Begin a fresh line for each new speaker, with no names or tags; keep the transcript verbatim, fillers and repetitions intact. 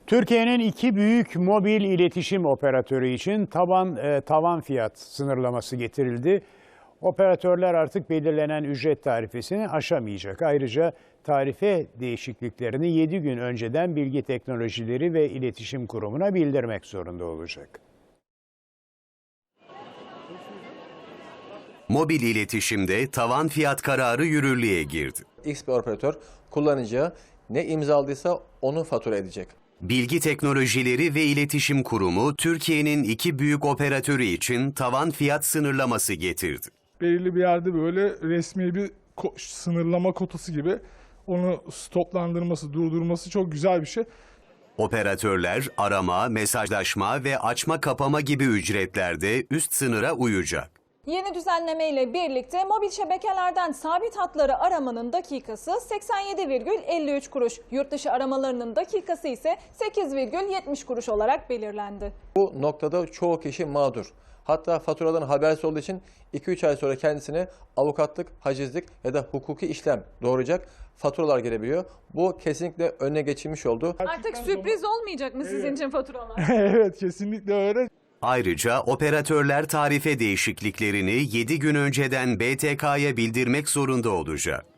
Türkiye'nin iki büyük mobil iletişim operatörü için taban e, tavan fiyat sınırlaması getirildi. Operatörler artık belirlenen ücret tarifesini aşamayacak. Ayrıca tarife değişikliklerini yedi gün önceden Bilgi Teknolojileri ve İletişim Kurumu'na bildirmek zorunda olacak.
Mobil iletişimde tavan fiyat kararı yürürlüğe girdi.
X bir operatör kullanıcıya ne imzaladıysa onu fatura edecek.
Bilgi Teknolojileri ve İletişim Kurumu Türkiye'nin iki büyük operatörü için tavan fiyat sınırlaması getirdi.
Belirli bir yerde böyle resmi bir ko- sınırlama kotası gibi onu stoplandırması, durdurması çok güzel bir şey.
Operatörler arama, mesajlaşma ve açma kapama gibi ücretlerde üst sınıra uyacak.
Yeni düzenleme ile birlikte mobil şebekelerden sabit hatları aramanın dakikası seksen yedi virgül elli üç kuruş, yurt dışı aramalarının dakikası ise sekiz virgül yetmiş kuruş olarak belirlendi.
Bu noktada çoğu kişi mağdur. Hatta faturadan habersiz olduğu için iki üç ay sonra kendisine avukatlık, hacizlik ya da hukuki işlem doğuracak faturalar gelebiliyor. Bu kesinlikle önüne geçilmiş oldu.
Artık sürpriz olmayacak mı sizin için faturalar?
Evet, kesinlikle öyle.
Ayrıca operatörler tarife değişikliklerini yedi gün önceden B T K'ya bildirmek zorunda olacak.